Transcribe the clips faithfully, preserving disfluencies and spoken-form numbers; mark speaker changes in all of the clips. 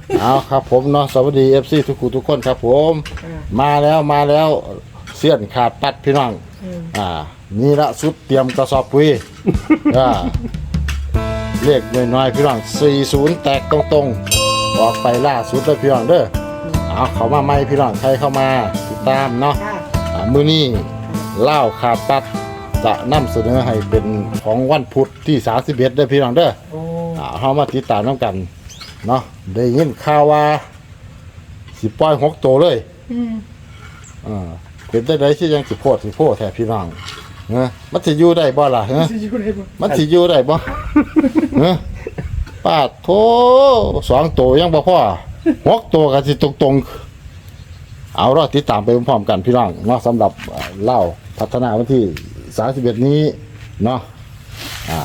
Speaker 1: เอาครับผมเนาะสวัสดี เอฟ ซี ทุกคนทุกคนครับผมมาแล้วมาแล้วเสี้ยนขาดปัดพี่น้องอ่านี่ละสุดเตรียมกระสอบปุ๋ยอ่าเลขน้อยๆพี่น้องสี่สิบแตกตรงๆออกไปล่าสุดเลยพี่น้องเด้อเอาเข้ามาใหม่พี่น้องใครเข้ามาติดตามเนาะอ่ามื้อนี้เล่าขาดปัดจะนำเสนอให้เป็นของวันพุธที่สามสิบเอ็ดเด้อพี่น้องเด้ออ่าเฮามาติดตามนำกันเนาะได้ยินข่าวว่าสิปล่อยหกตัวเลยอืมอ่าเป็นได้ไดที่ยังสิโพดสิโพดแท้พี่น้องเฮ้ยมันสิอยู่ได้บ่ล่ะเฮ้ยมันสิอยู่ได้บ่เฮ้ยป้าโถสองตัวยังบ่พอหกตัวก็สิตรงๆเอาล่ะติดตามไปพร้อมๆกันพี่น้องเนาะสำหรับเล่าพัฒนาวันที่สามสิบเอ็ดนี้เนาะอ่า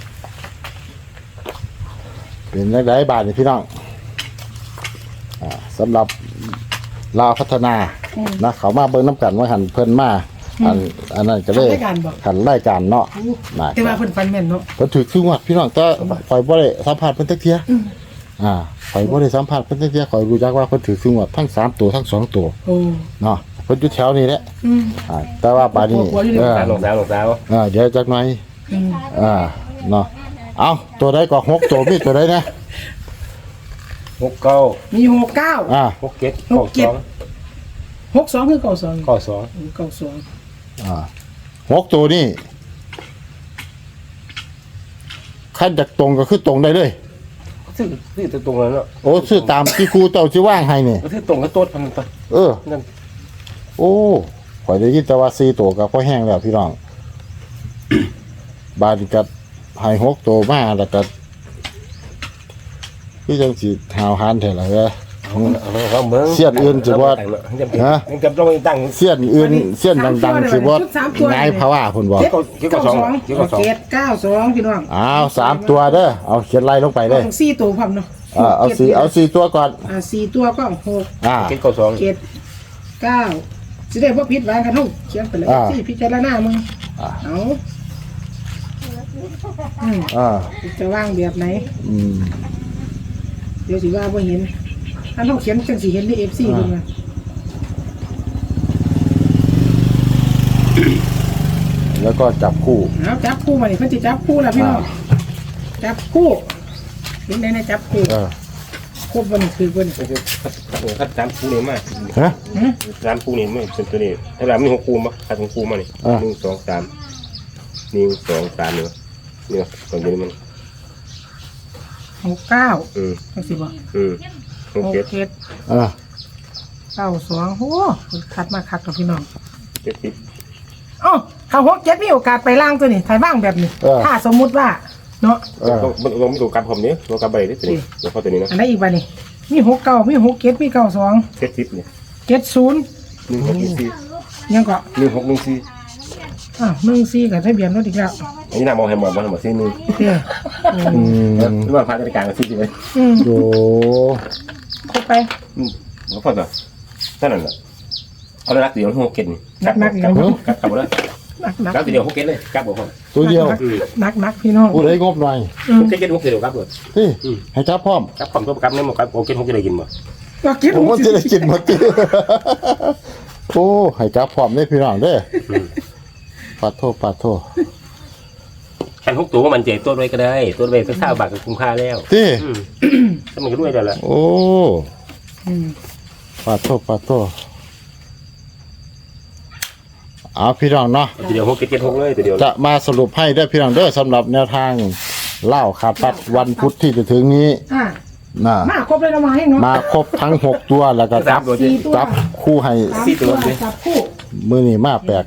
Speaker 1: เป็นได้ได้บาทนี่พี่น้องอ่าสำหรับลาวพัฒนานะเขามาเบิ่งน้ำกันว่าหันเพิ่นมาอันอันนั้นก็เลยหันรายการเนาะนะ
Speaker 2: แต่ว่าเพิ่นฟันแม่นเนาะ
Speaker 1: เพิ่นถือคือวัดพี่น้องก็ข่อยบ่ได้สัมภาษณ์เพิ่นจักเที่ยอ่าข่อยบ่ได้สัมภาษณ์เพิ่นจักเที่ยข่อยรู้จักว่าเพิ่นถือคือวัดทั้งสามตัวทั้งสองตัว
Speaker 2: โอ้
Speaker 1: เนาะเพิ่นอยู่แถวนี้แหละอืมอ่าแต่ว่าบาดนี้
Speaker 3: เออลงดาวลงดาว
Speaker 1: อ่าเดี๋ยวจักหน่อยอืมอ่าเนาะเอาตัวใดก็หกตัวมีตัวใดนะ
Speaker 3: หกเก้า
Speaker 2: มีหกเก้า
Speaker 1: อ่า
Speaker 3: หกเจ็ด
Speaker 2: หกเจ็ดหกสองคือเก้าสอง
Speaker 3: เก้าสอง
Speaker 2: เก้าสอง
Speaker 1: อ่าหกตัวนี่ขั้นจากตรงก็คือตรงได้เลย
Speaker 3: ซื้อซื้อตรงนั้นเนาะ
Speaker 1: โอ้ซื้อตามที่ครูเต่าที่ว่างให้เนี่ย
Speaker 3: ซื้อตรงก็โต๊ดพันไป
Speaker 1: เออนั่นโอ้ข่อยได้ยินแต่ว่าสี่ตัวกับพ่อแห้งแล้วพี่น้อง บาดกับให้หกตัวมาแล้วก็พี่จังสิหาวหันเถอะล่ะเด้อเสี้ยนอื่นสิบ่ฮะเสี้ยนอื่นเสี้ยนดังๆสิบ่ง่ายภาวะพุ่นบ่
Speaker 2: เก้าสองเจ็ดเก้าสองพี่น้อง
Speaker 1: อ้าวสามตัวเด้อเอาเขียนไล่ลงไปเด้อ
Speaker 2: สี่ตัวพร้อมเนาะ
Speaker 1: อ่าเอาสี่เอาสี่ตัวก่อน
Speaker 2: อ่าสี่ตัวก็หก
Speaker 1: อ่า
Speaker 3: เจ็ดเก้าสอง
Speaker 2: เจ็ดเก้าสิได้บ่ผิดหวังกันเฮาเขียนไปเลยที่พิจารณามึงเอาอืมอ่าจะวางแบบไหนอืมเดี๋ยวสิว่าบ่เห็นอันเฮาเขียนจังสิเห็นใน เอฟ ซี เพิ่นว่า
Speaker 1: แล้วก็จับคู่
Speaker 2: เอาจับคู่มานี่เพิ่นสิจับคู่ล่ะพี่น้องจับคู่เห็นได้นะจับคู่เออครบบ่นี่คือเพิ่น
Speaker 3: คัดสามคู่นี่มาฮะสามคู่นี่มันเป็นตัวนี้ถ้าเรามีหกคู่มั้ยคัดของคู่มานี่หนึ่ง สอง สามหนึ่ง สอง สามนี่นี่ตรงนี้มัน
Speaker 2: หกเก้าอืมจังสิบ่อืมหกเจ็ดอ่าเก้าสองโอ้คัดมาคัดกับพี่น้องเจ็ดสิบอ๋อถ้าหกเจ็ดมีโอกาสไปล่างตัวนี้ถ่ายบ้างแบบนี้ถ้าสมมุติว่าเนาะ
Speaker 3: มันลงไม่ถูกกับผมนี้ลงกับใบนี่ตัวนี้แล้วพอตัวนี้นะ
Speaker 2: อันไหนอีกใบนี่มีหกเก้ามีหกเจ็ดมีเก้าสอง
Speaker 3: เจ็ดสิบเนี่ย
Speaker 2: เจ็ดศูนย์
Speaker 3: หนึ่งหกหนึ่งสี่
Speaker 2: ยังก็
Speaker 3: หนึ่งหกหนึ่งสี่
Speaker 2: อ่าหนึ่งสี่กับทะเบียนรถอีกแล้ว
Speaker 3: อันนี้น่ามองให้หมดมองให้หมดสี่หนึ่งอืมหรือว่าพาราชการกับสี่เลย
Speaker 1: อืมโอ้
Speaker 2: ครบไป
Speaker 3: อืมแล้วพอตัวเท่านั้นแหละเอาเลยรักเดียวหกเก็ตนี่
Speaker 2: นักนัก
Speaker 3: กลับกลับกลับเลยนักนักรักเดียวหกเก็ตเลยกลับบอก
Speaker 1: ตัวเดียว
Speaker 2: นักนักพี่น้อง
Speaker 1: พูดให้งบหน่อย
Speaker 3: หกเก็ตหกเก็ตเดียวกลับเลย
Speaker 1: ที่ให้จับพร้อม
Speaker 3: กลับพร้อมตัวกลับเนี่ยหมดกลับหกเก็ตหกเก็ตได้กินมั้
Speaker 1: ยผมว่าจะได้กินหมดโอ้ให้จับพร้อมได้พี่น้องเด้อปาโทปาโท
Speaker 3: แค่หกตัวมันเจ็บตัวด้วยก็ได้ตัวด้วยสักเท่าบาทก็คุ้มค่าแล้ว
Speaker 1: ที่
Speaker 3: ถ้ามันก็ด้วยได้แล้ว
Speaker 1: โอ้ปาโทปาโทเอาพี่น้องเนาะ
Speaker 3: เดี๋ยวหกเจ็ดหกเลยเดี๋ยว
Speaker 1: จะมาสรุปให้ได้พี่น้องเด้อสำหรับแนวทางเล่าขาดปัดวันพุธที่จะถึงนี้
Speaker 2: น่ะมาครบเลยเรามาให้เนาะ
Speaker 1: มาครบทั้งหกตัวแล้วก็จับจับคู่ให้
Speaker 3: สี่ตัว
Speaker 2: จับคู่
Speaker 1: มือนี่มาแปลก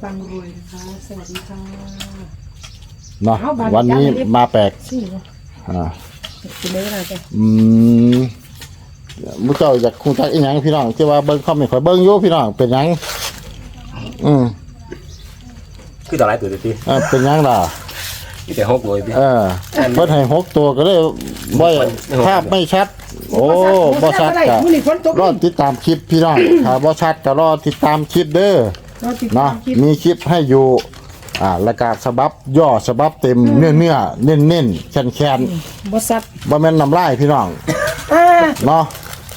Speaker 1: เนาะวันนี้มาแปลกอ่าอืมมุ้งเจ้าอยากคุ้งจักอีหยังพี่น้องที่ว่าเบิ้งเขาไม่ค่อยเบิ้งโย่พี่น้องเป็นยังอืม
Speaker 3: คือต่อไรตัวที
Speaker 1: อ่าเป็นยังล่ะ
Speaker 3: มีแต่หกเลยพี่
Speaker 1: เออเพิ่นให้หกตัวก็เลยบ่ภาพไม่ชัดโอ้บ่ชัดก็รอติดตามคลิปพี่น้องถ้าบ่ชัดก็รอติดตามคลิปเด้อเนาะมีคลิปให้อยู่อ่าแล้วก็ฉบับย่อฉบับเต็มเนื้อเนื้อเน้นเน้นแคนแคน
Speaker 2: บ่ชัด
Speaker 1: บ่แม่นน้ำลายพี่น้องเนาะ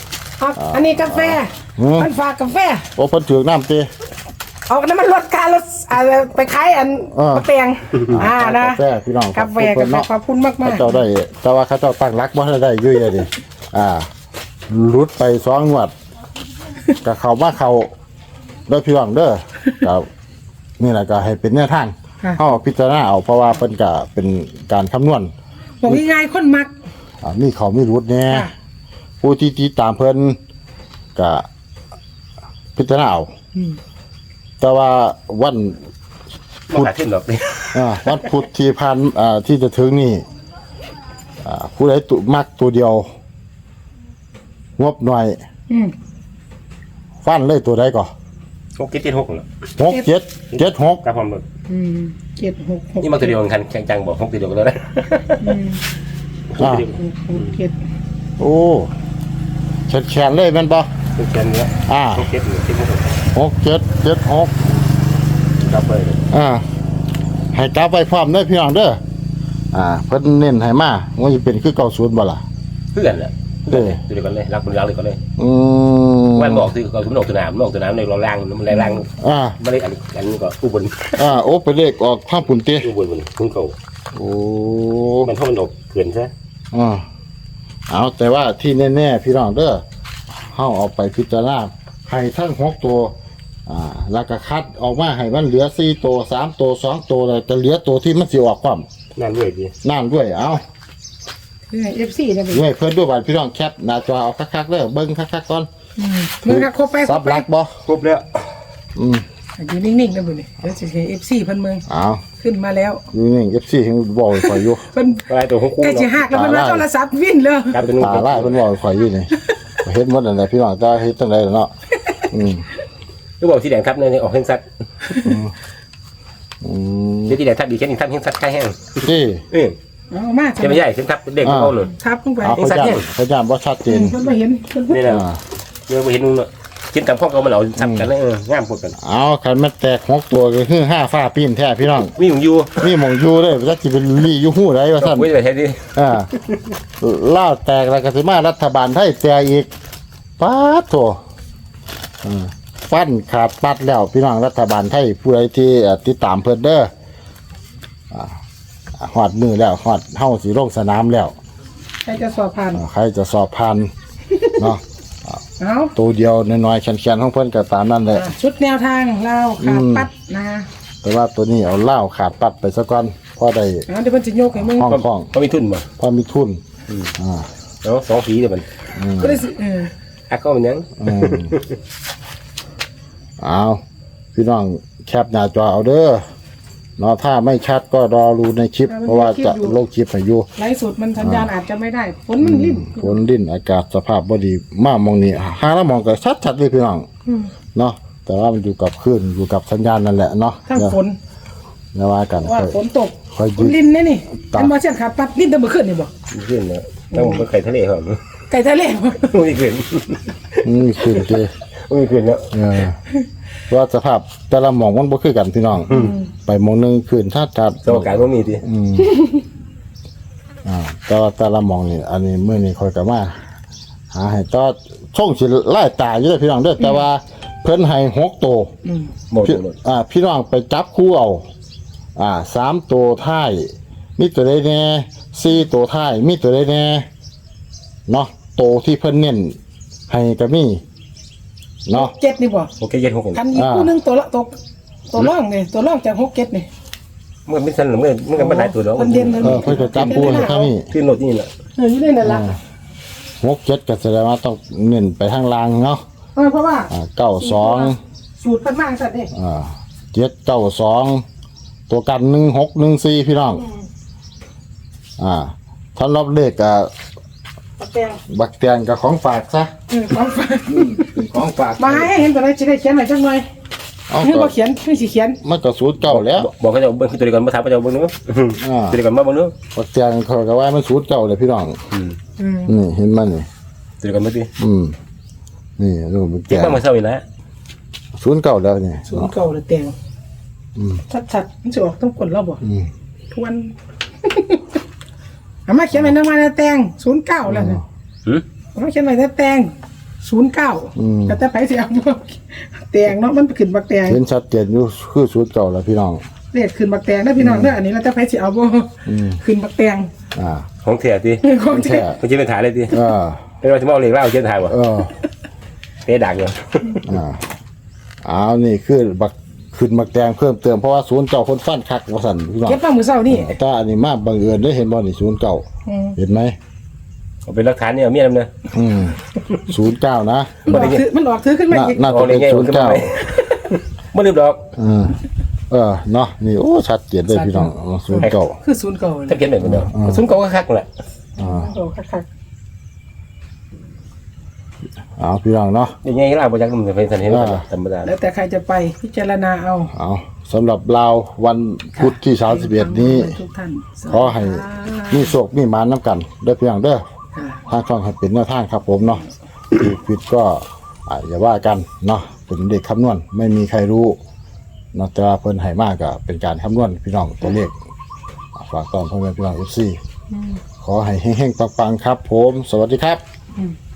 Speaker 2: ครับอันนี้กาแฟ
Speaker 1: อืม
Speaker 2: มันฝากกาแฟ
Speaker 1: โอ้เพิ่นถือน้ำตี
Speaker 2: เอาน้ำมันลดการลดอะไรไปขายอัน
Speaker 1: เออ
Speaker 2: มะเตียงอ่านะ
Speaker 1: กาแฟพี่น้อง
Speaker 2: กาแฟ
Speaker 1: เพิ่
Speaker 2: กาน แฟ
Speaker 1: เนาะ
Speaker 2: ขอบคุณมากมา
Speaker 1: เขา
Speaker 2: ก
Speaker 1: เจ้าได้แต่ว่าเขาเจ้าตั้งรักบ่ทันได้อยุ่ยเลยดิอ่ารุดไปสองงวดก็เข้ามาเข้าเด้อพี่น้องเด้อก็นี่แหละก็ให้เป็นแนวทางเฮาพิจารณาเอาเพราะว่าเพิ่นก็เป็นการคำนวณ
Speaker 2: บอกง่ายๆคนมัก
Speaker 1: อ่ามีเขามีรุดแน่
Speaker 2: ค่ะ
Speaker 1: ผู้ที่ติดตามเพิ่นก็พิจารณาเอา
Speaker 2: อืม
Speaker 1: แต่ว่าวัน
Speaker 3: มาหาขึ้นหรอกนี่
Speaker 1: อ่าวันพุธที่ผ่านอ่าที่จะถึงนี่อ่าผู้ใดตุมักตัวเดียว งบหน่อย
Speaker 2: อืม
Speaker 1: ฟันเลยตัวใดก่อน
Speaker 3: หกเจ็ดเจ็ดหกเหรอ
Speaker 1: หกเจ็ดเจ็ดหก
Speaker 3: กับความเบิก
Speaker 2: อืมเจ็ดหกหก
Speaker 3: นี่มันตัวเดียวกันแข่งจังบอกหกตัวเดียวกันแล้วนะ
Speaker 2: อืม
Speaker 1: อ่า
Speaker 2: หกหกเจ็ด
Speaker 1: โอ้แขนแขนเลยแมันปะ
Speaker 3: ตัวแกนเนี้ย
Speaker 1: อ่า
Speaker 3: หกเจ็ดหนึ่งเจ็ดหก
Speaker 1: หกเจ็ดเจ็ดหก
Speaker 3: กลับไป
Speaker 1: อ่าให้กลับไปพร้อมเด้อพี่น้องเด้ออ่าเพิ่นเน้นให้มาว่าจะเป็นคือเก่าศูนย์บ่ล่ะ
Speaker 3: เพื่อนแหละตัวเดียวกันเลยรักบนรักเลยกันเลย
Speaker 1: อืม
Speaker 3: วันบอกคือเขาสมนอกสนามนอกสนามในเราล่างมันแรงล่าง
Speaker 1: อ่า
Speaker 3: ไม่ได้อันอันนี้ก็อุบล
Speaker 1: อ่าโอ้ไปเลขออกข้างปุ่นเตะ
Speaker 3: อุบลบนคุณเขา
Speaker 1: โอ้
Speaker 3: มันเท่ามันออกเกินใช่
Speaker 1: อ่าเอาแต่ว่าที่แน่ๆพี่น้องเด้อเฮาเอาไปพิจารณาให้ทั้งหกตัวอ่าแล้วก็คัดออกมาให้มันเหลือสี่ตัวสามตัวสองตัวเลยจะเหลือตัวที่มันสิออกความ
Speaker 3: นั่นด้วยดี
Speaker 1: นั่นด้วยเอา
Speaker 2: เอฟซีได้ไหม
Speaker 1: ด้วยเพิ่นด้วยบัดพี่น้องแคปหน้าจอเอาคักๆเด้อเบิ่งคักๆก่อน
Speaker 2: อืมมึงก็ครบไปคร
Speaker 1: ซั
Speaker 2: บบ ไป
Speaker 1: รักบ่
Speaker 3: ครบแล้ว
Speaker 1: อืม
Speaker 2: อยู่นิ่งๆนะบุญนี่เดี๋ยวจะเห็นเอฟซีเพิ่นเมือง
Speaker 1: เอา
Speaker 2: ขึ้นมาแล้ว
Speaker 1: อยู่นี่ เอฟ ซี เพิ่นบอกให้ข่อยอยู่
Speaker 2: เพิ่น
Speaker 3: อะไรตัวหกคู่
Speaker 2: ใกล้จะ
Speaker 3: เนาะ
Speaker 2: หักแล้วเพิ่นว่าโทรศัพท์วิ่นเลย
Speaker 3: กลายเป็นนุ่ง
Speaker 1: ตาลายเพิ่นบอกให้ข่อยอยู่นี่เฮ็ดหมดนั่นแหละพี่น้องแต่เฮ็ดจังได๋ล่ะเนาะอืม
Speaker 3: ก็บอกที่แดงครับเนี่ยออกเฮงซัด
Speaker 1: อืม
Speaker 3: เดี๋ยวที่แดงทับดีแค่นี้ทับเฮงซัดใกล้แห้ง
Speaker 1: ที่
Speaker 3: เออ
Speaker 2: เอามา
Speaker 3: จะไม่ใหญ่เส้นทับเด็กเขาเลย
Speaker 2: ทับลงไป
Speaker 1: เอาเขาย่านเขาย่านบ่ชัดเจ
Speaker 2: อื
Speaker 1: น
Speaker 2: มเพิ่นบ่เห็นเพิ่นบ่
Speaker 3: นี่แหละ
Speaker 1: อ่า
Speaker 3: เมื่อไปเห็นนุ่งเนาะกินกับพ่อเขามันเอาซับกันเลยเอองามกว่ากัน
Speaker 1: เอาคันมันแตกหกตัวก็คือห้าฟ้าปีนแท้พี่น้อง
Speaker 3: มีอยู่อยู่
Speaker 1: นี่หม่องอยู่เด้อจักสิเป็นลี่อยู่ฮู้ใดว่าซั่น
Speaker 3: ไม่ได้ไปแท้ดิ
Speaker 1: อ่าลาวแตกแล้วก็สิมารัฐบาลไทยแตกอีกป๊าดโถอืมฟันขาดปัดแล้วพี่น้องรัฐบาลไทยผู้ใดที่เอ่อติดตามเพิ่นเด้ออ่าฮอดมือแล้วฮอดเฮาสิลงสนามแล้ว
Speaker 2: ใครจะสอบผ่าน
Speaker 1: อ่าใครจะสอบผ่านเนาะ
Speaker 2: เอา
Speaker 1: ตัวเดียวน้อยๆแข็งๆของเพิ่นก็ตามนั้นแหละ
Speaker 2: อ่ะชุดแนวทางเราขาดปัดนะ
Speaker 1: แต่ว่าตัวนี้เอาเหล้าขาดปัดไปซะก่อนพอได้
Speaker 2: เอาเดี๋ยวเพิ่นจะยกให้มึง
Speaker 1: ห้องห้อง
Speaker 3: เขามีทุนมา
Speaker 1: พอมีทุนอ่า
Speaker 3: เนาะสองฝีเดี๋ยวมัน
Speaker 2: ก็ได้สิเออ
Speaker 3: อักก็มันยัง
Speaker 1: อืมเอาพี่น้องแคปหน้าจอเอาเด้อเนาะถ้าไม่ชัดก็รอรูในคลิป เพราะว่าจะลงคลิปให้อยู่
Speaker 2: ไลฟ์สดมันสัญญาณอาจจะไม่ได้ฝนมันริ่ม
Speaker 1: ฝนดิ้นอากาศสภาพบ่ดีมากมองนี่หาแล้วมองก็ชัดๆเลยพี่น้อง
Speaker 2: อืม
Speaker 1: เนาะแต่ว่ามันอยู่กับคลื่นอยู่กับสัญญาณนั่นแหละเนาะ
Speaker 2: ทั้งฝน
Speaker 1: อย่าว่ากัน
Speaker 2: ว่า
Speaker 1: ค่อย
Speaker 2: ฝนตก
Speaker 1: ค่อย
Speaker 2: ฝ
Speaker 1: ยื
Speaker 2: น
Speaker 1: ด
Speaker 2: ลินนี่นี่
Speaker 1: ตา
Speaker 2: อันบ่เช่นขาดปัดลินแตะมื้อคืนนี่บ่
Speaker 3: ขึ้นแล้วต้องไปไข่ทะเลเขา
Speaker 2: ไก่ทะเลบ่
Speaker 3: ไม่ขึ้น
Speaker 1: อืมขึ้นเจ
Speaker 3: ไม่ขึ้นแล้ว
Speaker 1: เออเพราะว่าสภาพแต่ละหมองมันบ่คือกันพี่น้องไปหมองหนึงขึ้นถ้าจัด
Speaker 3: สมการว่ามีดิ
Speaker 1: อืมอ่าแต่ว่าแต่ละหมองนี่อันนี้มื้อนี้ค่อยก็มาหาให้ต่อช่องสิไล่ตาอยู่เด้อพี่น้องเด้อแต่ว่าเพิ่นให้หกตัว
Speaker 2: อืม
Speaker 3: หมด
Speaker 1: พี่
Speaker 3: หมด
Speaker 1: อ่าพี่น้องไปจับคู่เอาอ่าสามตัวท้ายมีตัวใดแน่สี่ตัวท้ายมีตัวใดแน่เนาะตัวที่เพิ่นเน้นให้ก็มีเนาะ
Speaker 2: เจ็ดนี่บ่
Speaker 3: โอเคเย็นหกคน
Speaker 2: คันอีกคู่หนึงตัวละตกตัวร่องนี่ตัวร่องจากหกเจ็ดนี่
Speaker 3: เมื่อไม่สั้นเมื่อเมื่อกันไม่ได้ตัวแล้ว
Speaker 2: มันเด่นเลย
Speaker 1: เออเพิ่นจะจับคู่ให้ข้างนี้
Speaker 3: ขึ้นโหลดนี่แหละ
Speaker 2: เอออยู่ในนั่นล่ะ
Speaker 1: หกเจ็ดก็แสดงว่าต้องเน้นไปทางล่างเนาะ
Speaker 2: เออเพราะว่า
Speaker 1: อ่าเก้าสอง
Speaker 2: สูตรเพิ่นมาจังซั่นเด้
Speaker 1: อ่าเจ็ดเก้าสองตัวกันหนึ่งหกหนึ่งสี่พี่น้องอ่าท่านรอบเลขกับ
Speaker 2: ปักแตง
Speaker 1: บักเตียนกับของฝากซะ
Speaker 2: เออของฝาก
Speaker 1: เป็นของฝาก
Speaker 2: มาให้เห็นตัวไหนสิได้เขียนให้จังหน่อย
Speaker 1: เอา
Speaker 2: ให้
Speaker 1: ก็
Speaker 2: บ่เขียนให้สิเขียน
Speaker 1: มันก็สูตรเก่าแล้ว
Speaker 3: บอกเขาจะเบิ้งขึ้นตัวเดียวกันมาถามเขาจะเบิ้งนู้น
Speaker 1: อ่า
Speaker 3: ตัวเดียวกันมาเบิ้งนู้น
Speaker 1: บักเตียนเขาก็ว่ามันสูตรเก่าเลยพี่น้อง
Speaker 2: อืม
Speaker 1: นี่เห็นมันนี่
Speaker 3: ตัวเดียวกันไม่ดี
Speaker 1: อืมนี่ดูบัก
Speaker 3: เก็
Speaker 1: เตี
Speaker 3: บ
Speaker 1: ยน
Speaker 3: มาเมื่อเช้าอีกแล้ว
Speaker 1: สูตรเก่าแล้วนี่
Speaker 2: สูตรเก่าเลยแตง
Speaker 1: อืม
Speaker 2: ชัดๆมันสิออกต้องกดเราบ่
Speaker 1: อืม
Speaker 2: ทวน เอามาเขียนไว้นำมาในแตงศูนย์เก้าแล้วนะ
Speaker 3: หืม
Speaker 2: เอามาเขียนไว้ในแตงศูนย์เก้าแต่แต่ไผสิเอาบ่แตงเนาะมันขึ้นบักแตง
Speaker 1: เห็นชัดเจนอยู่คือศูนย์เก่าแล้วพี่น้อง
Speaker 2: เลขขึ้นบักแตงนะพี่น้องเด้ออันนี้แล้วแต่ไผสิเอาบ่ขึ้นบักแตง
Speaker 1: อ่า
Speaker 3: ของเถียดิ
Speaker 2: ของแท้
Speaker 3: มันจะเป็นถ่ายเลยดิ
Speaker 1: เออ
Speaker 3: เป็นว่าจะมองเลขเล่าเช่นถ่ายบ่
Speaker 1: เออ
Speaker 3: เตะดักเลย
Speaker 1: อ่าเอานี่คือบักขึ้นบักแดงเพิ่มเติมเพราะว่าศูนย์เก่าคนฟันคักว่าสั่นพี่น้อง
Speaker 2: เก็บมามื้อเช้านี่
Speaker 1: แต่อันนี้มาบังเอิญได้เห็นบ่นี่ศูนย์เก่า
Speaker 2: อืม
Speaker 1: เห็นไหม
Speaker 3: เอาเป็นหลักฐานเนี่ยเอาเมียนำเนอะ
Speaker 1: อืมศูนย์เก้านะ
Speaker 2: มันออกถือมันออกถือขึ้นมา
Speaker 1: น่า
Speaker 2: อีก
Speaker 1: น่าจะเป็นศูนย์เก้า
Speaker 3: ไม่ลืมดอก
Speaker 1: เออเออเนาะนี่โอ้ชัดเจนเลยพี่น้องศูนย์เก้า
Speaker 2: คือศูนย์เก่า
Speaker 3: ถ้าเขียนแบบนี้เนาะซุ่มเก่าก็คักแหละ
Speaker 1: อ่า
Speaker 2: โอ้คัก
Speaker 1: เอาพี่น้องเนาะ
Speaker 3: ยังไงก็ล่าบ่จักมันจะเป็นสันเห็นธรรมดา
Speaker 2: ๆแล้วแต่ใครจะไปพิจารณาเอา
Speaker 1: เอาสำหรับลาววันพุธที่สามสิบเอ็ดนี้
Speaker 2: ทุกท่าน
Speaker 1: ขอให้มีโชคมีหมานน้ำกันเด้อพี่น้องเด้อ
Speaker 2: ค่ะ
Speaker 1: ทางช่องให้เป็นแนวทางครับผมเนาะถูกผิดก็อ่าอย่าว่ากันเนาะเป็นเด็กคำนวณไม่มีใครรู้เนาะแต่ว่าเพิ่นให้มากก็เป็นการคำนวณพี่น้องตัวเลขอ่าฝากตอนพ่อแม่พี่น้องเอฟซีขอให้เฮงๆปังๆครับผม สวัสดีครับ
Speaker 2: อืม